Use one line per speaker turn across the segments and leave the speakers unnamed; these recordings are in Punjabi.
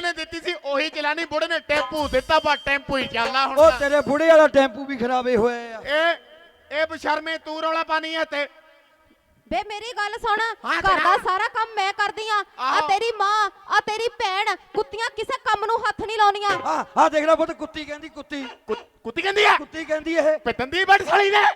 ਨੇ ਦਿੱਤੀ ਸੀ ਉਹੀ ਚਲਾਣੀ, ਬੁੜੇ ਨੇ ਟੈਂਪੂ ਦਿੱਤਾ, ਬਾ ਟੈਂਪੂ ਹੀ ਚੱਲਦਾ ਹੁਣ।
ਉਹ ਤੇਰੇ ਬੁੜੇ ਵਾਲਾ ਟੈਂਪੂ ਵੀ ਖਰਾਬੇ ਹੋਏ ਆ।
ਇਹ ਬਸ਼ਰਮੇ ਤੂੰ ਰੌਲਾ ਪਾਣੀ ਹੈ ਤੇ
ਬੇ ਮੇਰੀ ਗੱਲ ਸੁਣ,
ਹਾਂ,
ਘਰ ਦਾ
ਸੁਣਾ।
ਸਾਰਾ ਕੰਮ ਮੈਂ ਕਰਦੀ ਆ। ਆ
ਆਹੋ।
ਤੇਰੀ ਮਾਂ, ਆ ਤੇਰੀ ਭੈਣ, ਕੁੱਤੀਆਂ ਕਿਸੇ ਕੰਮ ਨੂੰ ਹੱਥ ਨਹੀਂ ਲਾਉਣੀਆਂ।
ਆ ਦੇਖ ਲੈ ਪੁੱਤ, ਕੁੱਤੀ ਕਹਿੰਦੀ, ਕੁੱਤੀ
ਕੁੱਤੀ ਕਹਿੰਦੀ ਆ
ਕੁੱਤੀ ਕਹਿੰਦੀ ਇਹ।
ਪਿੱਤੰਦੀ ਬੜ ਸਾਲੀ ਨੇ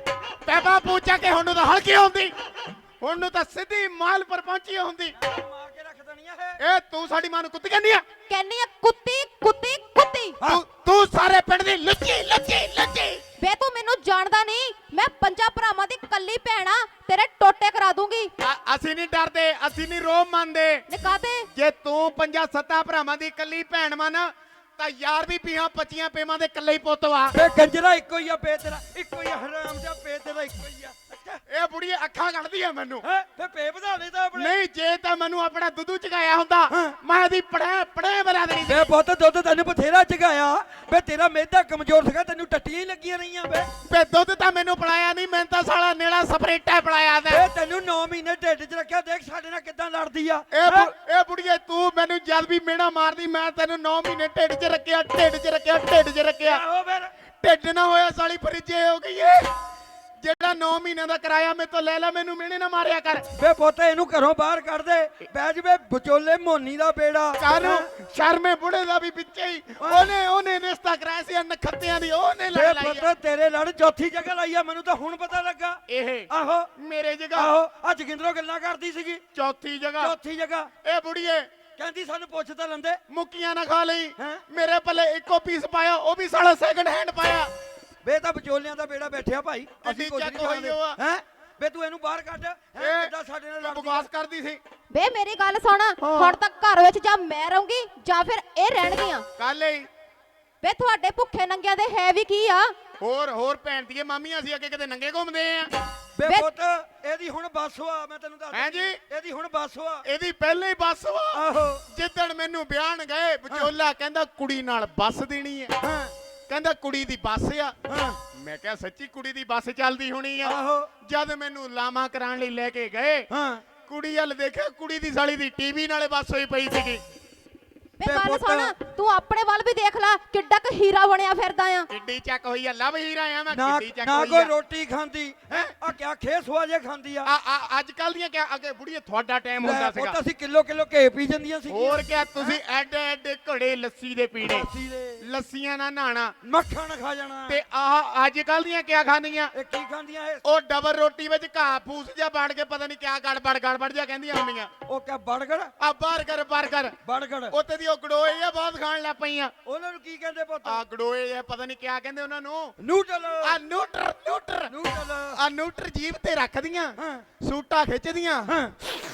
ਪੈਪਾ ਪੂਛਾ ਕੇ ਹੁਣ ਨੂੰ ਤਾਂ ਹਲਕੀ ਹੁੰਦੀ, ਹੁਣ ਨੂੰ ਤਾਂ ਸਿੱਧੀ ਮਾਲ ਪਰ ਪਹੁੰਚੀ ਹੁੰਦੀ।
ਮਾਰ ਕੇ ਰੱਖ ਦੇਣੀ ਆ
ਇਹ ਤੂੰ ਸਾਡੀ ਮਾਂ ਨੂੰ ਕੁੱਤੀ ਕਹਿੰਦੀ ਆ?
ਕਹਿੰਨੀ ਆ ਕੁੱਤੀ ਕੁੱਤੀ ਕੁੱਤੀ।
ਤੂੰ ਸਾਰੇ ਪਿੰਡ ਦੀ ਲੁੱਚੀ ਲੁੱਚੀ ਲੁੱਚੀ।
ਬੇ ਤੂੰ ਮੈਨੂੰ ਜਾਣਦਾ ਨਹੀਂ, ਮੈਂ ਪੰਜਾਂ ਭਰਾਵਾਂ ਦੀ ਕੱਲੀ ਭੈਣ ਆ, ਤੇਰੇ ਟੋਟੇ ਕਰਾ ਦੂੰਗੀ।
ਅਸੀਂ ਨਹੀਂ ਡਰਦੇ, ਅਸੀਂ ਨਹੀਂ ਰੋਬ ਮੰਨਦੇ।
ਨਿਕਾਤੇ
ਜੇ ਤੂੰ ਪੰਜਾਂ ਸੱਤਾਂ ਭਰਾਵਾਂ ਦੀ ਇਕੱਲੀ ਭੈਣ ਮੰਨ ਤਾਂ ਯਾਰ ਵੀ ਪੀਹਾਂ 25 ਪੇਮਾਂ ਦੇ ਇਕੱਲੇ ਹੀ ਪੁੱਤ ਵਾ।
ਬੇ ਕੰਜਰਾ ਇੱਕੋ ਹੀ ਆ, ਪੇ ਤੇਰਾ ਇੱਕੋ ਹੀ ਆ, ਹਰਾਮ ਦਾ ਪੇ ਤੇਰਾ ਇੱਕੋ ਹੀ ਆ।
ਇਹ ਬੁੜੀ ਅੱਖਾਂ ਕੱਢਦੀ ਆ ਮੈਨੂੰ।
ਫੇ ਪੇ ਵਧਾ ਦੇ ਤਾਂ ਆਪਣੇ।
ਨਹੀਂ ਜੇ ਤਾਂ ਮੈਨੂੰ ਆਪਣਾ ਦੁੱਧੂ ਚਗਾਇਆ ਹੁੰਦਾ ਮੈਂ ਇਹਦੀ ਪੜੇ ਬਣਾ ਦੇਣੀ ਸੀ।
ਬੇ ਪੁੱਤ ਦੁੱਧ ਤੈਨੂੰ ਬਥੇਰਾ ਚਗਾਇਆ। ਬੇ ਤੇਰਾ ਮਿਹਦਾ ਕਮਜ਼ੋਰ ਸੀਗਾ, ਤੈਨੂੰ ਟੱਟੀਆਂ ਹੀ ਲੱਗੀਆਂ ਰਹੀਆਂ। ਬੇ
ਦੁੱਧ ਤਾਂ ਮੈਨੂੰ ਪਿਲਾਇਆ ਨਹੀਂ, ਮੈਂ ਤਾਂ ਸਾਲਾ ਨੇੜਾ ਸਪਰੇਟਾ ਪਿਲਾਇਆ ਤੇ।
ਬੇ ਤੈਨੂੰ 9 ਮਹੀਨੇ ਢਿੱਡ 'ਚ ਰੱਖਿਆ, ਦੇਖ ਸਾਡੇ ਨਾਲ ਕਿੱਦਾਂ ਲੜਦੀ ਆ।
ਇਹ ਬੁੜੀਏ ਤੂੰ ਮੈਨੂੰ ਜਦ ਵੀ ਮੇਣਾ ਮਾਰਦੀ ਮੈਂ ਤੈਨੂੰ 9 ਮਹੀਨੇ ਢਿੱਡ 'ਚ ਰੱਖਿਆ, ਢਿੱਡ 'ਚ ਰੱਖਿਆ, ਢਿੱਡ 'ਚ ਰੱਖਿਆ।
ਆਹੋ ਫਿਰ
ਢਿੱਡ ਨਾ ਹੋਇਆ ਸਾਲੀ ਫਰਿੱਜੇ ਹੋ ਗਈ ਏ। ਜਿਹੜਾ 9 ਮਹੀਨਿਆਂ ਦਾ ਕਿਰਾਇਆ ਮੇਰੇ ਤੋਂ ਲੈ ਲੈ, ਮੈਨੂੰ ਮਿਹਣੇ ਨਾ ਮਾਰਿਆ ਕਰ।
ਬੇ ਪੁੱਤ ਇਹਨੂੰ ਘਰੋਂ ਬਾਹਰ ਕੱਢ ਦੇ। ਬਹਿ ਜਵੇ ਵਿਚੋਲੇ ਮੋਨੀ ਦਾ ਬੇੜਾ।
ਕਾਨੂੰ ਸ਼ਰਮੇ ਬੁੜੇ ਦਾ ਵੀ ਵਿੱਚੇ ਹੀ ਉਹਨੇ ਰਿਸ਼ਤਾ ਕਰਾਇਆ ਸੀ ਨਖੱਤਿਆਂ ਦੀ, ਉਹਨੇ ਲੜ
ਬੇ
ਲਈ
ਪੁੱਤ ਤੇਰੇ ਲੜ ਚੌਥੀ ਜਗ੍ਹਾ ਲਾਈ ਆ, ਮੈਨੂੰ ਤਾਂ ਹੁਣ ਪਤਾ ਲੱਗਾ।
ਇਹ
ਆਹੋ
ਮੇਰੇ ਜਗ੍ਹਾ
ਆਹੋ ਆ ਜੋਗਿੰਦਰੋਂ ਗੱਲਾਂ ਕਰਦੀ ਸੀਗੀ।
ਚੌਥੀ ਜਗ੍ਹਾ
ਚੌਥੀ ਜਗ੍ਹਾ
ਇਹ ਬੁੜੀਏ
ਕਹਿੰਦੀ ਸਾਨੂੰ ਪੁੱਛ ਤਾਂ ਲੰਦੇ।
ਮੁੱਕੀਆਂ ਨਾ ਖਾ ਲਈ।
ਹੈਂ?
ਮੇਰੇ ਪੱਲੇ ਇੱਕੋ ਪੀਸ ਪਾਇਆ, ਉਹ ਵੀ ਸਾਲਾ ਸੈਕੰਡ ਹੈਂਡ ਪਾਇਆ।
ਬੇ ਤਾਂ ਵਿਚੋਲਿਆਂ ਦਾ ਬੇੜਾ ਬੈਠਿਆ ਭਾਈ, ਅਸੀਂ ਕੁਝ
ਚੱਕ
ਨਹੀਂ
ਹੋਈ
ਜਾਣਦੇ।
ਉਹ ਆ।
ਹੈ ਬੇ ਤੂੰ ਇਹਨੂੰ ਬਾਹਰ ਕੱਢ।
ਇਹ
ਕਿੱਦਾਂ ਸਾਡੇ ਨਾਲ ਲੜਦੀ
ਬਕਵਾਸ ਕਰਦੀ ਸੀ।
ਬੇ ਮੇਰੀ ਗੱਲ ਸੁਣ, ਹੁਣ ਤੱਕ ਘਰ ਵਿੱਚ ਜਾਂ ਮੈਂ ਰਹੂੰਗੀ ਜਾਂ ਫਿਰ ਇਹ ਰਹਿਣਗੀਆਂ।
ਕੱਲ ਹੀ
ਬੇ ਤੁਹਾਡੇ ਭੁੱਖੇ ਨੰਗਿਆਂ ਦੇ ਹੈ ਵੀ ਕੀ ਆ?
ਹੋਰ ਭੈਣ ਦੀਆਂ ਮਾਮੀਆਂ ਸੀ ਅੱਗੇ ਕਿਤੇ ਨੰਗੇ ਘੁੰਮਦੇ ਆ।
ਬੇ
ਬੇ-
ਪੁੱਤ ਇਹਦੀ ਹੁਣ ਬੱਸ ਹੋਆ, ਮੈਂ ਤੈਨੂੰ ਦੱਸ
ਹੈਂ ਜੀ?
ਇਹਦੀ ਹੁਣ ਬੱਸ ਹੋਆ।
ਇਹਦੀ ਪਹਿਲੇ ਹੀ ਬੱਸ ਵਾ।
ਆਹੋ
ਜਿੱਦਣ ਮੈਨੂੰ ਬਿਆਨ ਗਏ ਵਿਚੋਲਾ ਕਹਿੰਦਾ ਕੁੜੀ ਨਾਲ ਬੱਸ ਦੇਣੀ ਹੈ,
ਹਾਂ
ਕਹਿੰਦਾ ਕੁੜੀ ਦੀ ਬੱਸ ਆ।
ਹਾਂ
ਮੈਂ ਕਿਹਾ ਸੱਚੀ ਕੁੜੀ ਦੀ ਬੱਸ ਚੱਲਦੀ ਹੋਣੀ ਆ।
ਆਹੋ
ਜਦ ਮੈਨੂੰ ਲਾਮਾ ਕਰਾਉਣ ਲਈ ਲੈ ਕੇ ਗਏ
ਹਾਂ
ਕੁੜੀ ਵੱਲ ਦੇਖਿਆ, ਕੁੜੀ ਦੀ ਸਾਲੀ ਦੀ ਟੀਵੀ ਨਾਲੇ ਬੱਸ ਹੋਈ ਪਈ ਸੀਗੀ।
ਬੇ
ਬੇ
ਗੱਲ
ਪੁੱਤ-
ਸੁਣ, ਤੂੰ ਆਪਣੇ ਵੱਲ ਵੀ ਦੇਖ ਲੈ, ਕਿੱਡਾ ਕ ਹੀਰਾ ਬਣਿਆ ਫਿਰਦਾ ਆ।
ਕਿੱਡੀ ਚੱਕ ਹੋਈ ਆ, ਲਵ ਹੀਰਾ ਆ ਮੈਂ,
ਨਾ
ਕਿੱਡੀ ਚੱਕ
ਨਾ
ਹੋਈ
ਕੋਈ
ਆ।
ਰੋਟੀ ਖਾਂਦੀ ਹੈ ਆ ਕਿਆ ਖੇਸ ਹੋਆ ਜੇ ਖਾਂਦੀ ਆ।
ਅੱਜ ਕੱਲ ਦੀਆਂ ਕਿਆ ਅੱਗੇ ਬੁੜੀਏ ਤੁਹਾਡਾ ਟਾਈਮ ਹੁੰਦਾ
ਉਹ
ਸੀਗਾ।
ਤਾਂ ਅਸੀਂ ਕਿਲੋ ਘੇ ਪੀ ਜਾਂਦੀਆਂ ਸੀ।
ਹੋਰ ਕਿਆ ਤੁਸੀਂ ਐਡੇ ਐਡੇ ਘੜੇ ਲੱਸੀ ਦੇ ਪੀਣੇ,
ਲੱਸੀ ਦੇ
ਲੱਸੀਆਂ ਨਾਲ ਨਹਾਣਾ।
ਮੱਖਣ ਖਾ ਜਾਣਾ।
ਤੇ ਆਹ ਅੱਜ ਕੱਲ ਦੀਆਂ ਕਿਆ ਖਾਣੀਆਂ?
ਇਹ ਕੀ ਖਾਂਦੀਆਂ ਇਹ?
ਉਹ ਡਬਲ ਰੋਟੀ ਵਿੱਚ ਘਾਹ ਫੂਸ ਜਿਹਾ ਬਣ ਕੇ ਪਤਾ ਨਹੀਂ ਕਿਆ ਗੜਬੜ ਜਿਹਾ ਕਹਿੰਦੀਆਂ ਹੁੰਦੀਆਂ।
ਉਹ ਕਿਆ ਬੜਗੜ
ਆ ਬਰਗਰ
ਬੜਗੜ
ਉੱਤੇ ਦੀ ਉਹ ਗੜੋਏ ਆ ਬਹੁਤ ਖਾਣ ਲੱਗ ਪਈਆਂ।
ਉਹਨਾਂ ਨੂੰ ਕੀ ਕਹਿੰਦੇ ਪੁੱਤ?
ਆ ਗੜੋਏ ਆ ਪਤਾ ਨਹੀਂ ਕਿਆ ਕਹਿੰਦੇ ਉਹਨਾਂ ਨੂੰ।
ਨੂਡਲ
ਆ ਨੂਟਰ
ਨੂਡਲ
ਆ ਨੂਟਰ ਜੀਭ ਤੇ ਰੱਖਦੀਆਂ,
ਹਾਂ
ਸੂਟਾ ਖਿੱਚਦੀਆਂ।
ਹਾਂ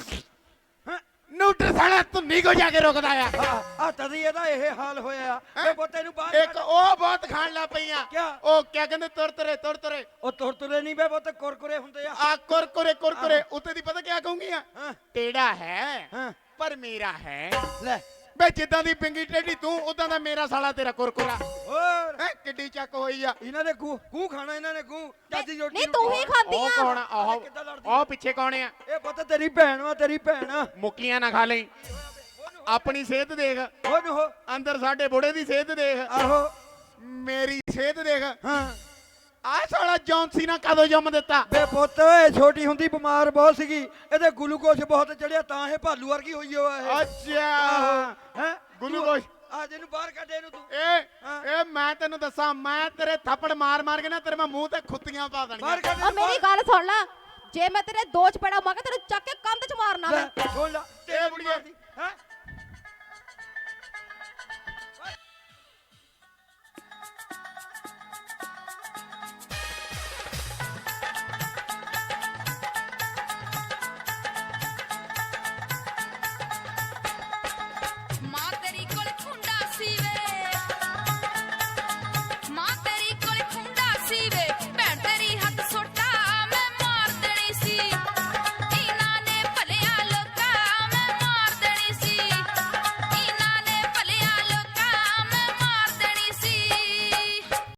ਨੂਟਰ ਸਾਲਾ ਧੁੰਨੀ ਕੋ ਜਾ ਕੇ ਰੁਕਦਾ ਆ।
ਆ ਤਦੀ ਇਹਦਾ ਇਹ ਹਾਲ ਹੋਇਆ। ਇਹ ਪੁੱਤ ਇਹਨੂੰ ਬਾਹਰ
ਇੱਕ ਉਹ ਬਹੁਤ ਖਾਣ ਲੱਗ ਪਈਆਂ।
ਕਿਆ?
ਉਹ ਕਿਆ ਕਹਿੰਦੇ ਤੁਰਤਰੇ
ਉਹ ਤੁਰਤੁਰੇ ਨਹੀਂ ਬੇ ਪੁੱਤ, ਕੁਰਕੁਰੇ ਹੁੰਦੇ ਆ।
ਆ ਕੁਰਕੁਰੇ ਉੱਤੇ ਦੀ ਪਤਾ ਕਿਆ ਕਹੂੰਗੀਆਂ?
ਹਾਂ
ਟੇੜਾ ਹੈ
ਹਾਂ
ਪਰ ਮੇਰਾ ਹੈ।
ਲੈ
ਬੇ ਜਿੱਦਾਂ ਦੀ ਪਿੰਗੀ ਟੇਢੀ ਤੂੰ ਉਦਾਂ ਦਾ ਮੇਰਾ ਸਾਲਾ ਤੇਰਾ ਕੁਰਕੁਰਾ।
ਹੋਰ
ਹੈ ਕਿੱਡੀ ਚੱਕ ਹੋਈ ਆ।
ਇਹਨਾਂ ਨੇ ਗੂ ਖਾਣਾ, ਇਹਨਾਂ ਨੇ ਗੂ ਚਾਦੀ ਰੋਟੀ।
ਨਹੀਂ ਤੂੰ ਹੀ ਖਾਂਦੀ
ਉਹ
ਆ।
ਕੌਣ ਆ? ਆਹੋ
ਕਿੱਦਾਂ ਲੜਦੀ?
ਉਹ ਪਿੱਛੇ ਕੌਣ ਆ?
ਇਹ ਪੁੱਤ ਤੇਰੀ ਭੈਣ ਵਾ, ਤੇਰੀ ਭੈਣ ਆ।
ਮੁੱਕੀਆਂ ਨਾ ਖਾ ਲਈ। ਆਪਣੀ ਸਿਹਤ ਦੇਖ,
ਉਹਨੂੰ ਹੋ
ਅੰਦਰ ਸਾਡੇ ਬੁੜੇ ਦੀ ਸਿਹਤ ਦੇਖ,
ਆਹੋ
ਮੇਰੀ ਸਿਹਤ ਦੇਖ।
ਹਾਂ
ਆਹ ਸਾਲਾ ਜੌਨਸੀ ਨਾ ਕਦੋਂ ਜੰਮ ਦਿੱਤਾ?
ਬੇ ਪੁੱਤ ਇਹ ਛੋਟੀ ਹੁੰਦੀ ਬਿਮਾਰ ਬਹੁਤ ਸੀਗੀ, ਇਹਦੇ ਗਲੂਕੋਜ਼ ਬਹੁਤ ਚੜਿਆ, ਤਾਂ ਇਹ ਭਾਲੂ ਵਰਗੀ ਹੋਈ ਹੋਆ ਇਹ।
ਅੱਛਾ
ਹੈ
ਗਲੂਕੋਜ਼।
ਅੱਜ ਇਹਨੂੰ ਬਾਹਰ ਕੱਢ ਇਹਨੂੰ ਤੂੰ।
ਇਹ ਮੈਂ ਤੈਨੂੰ ਦੱਸਾਂ, ਮੈਂ ਤੇਰੇ ਥੱਪੜ ਮਾਰ ਕੇ ਨਾ ਤੇਰੇ ਮੈਂ ਮੂੰਹ ਤੇ ਖੁੱਤੀਆਂ ਪਾ ਦੇਣੀਆਂ।
ਬਾਹਰ ਕੱਢ
ਆ ਮੇਰੀ ਗੱਲ ਸੁਣ ਲੈ, ਜੇ ਮੈਂ ਤੇਰੇ ਦੋ ਚਪੇੜਾ ਮਾਰ ਕੇ ਤੈਨੂੰ ਚੱਕ ਕੇ ਕੰਧ 'ਚ ਮਾਰਨਾ ਮੈਂ।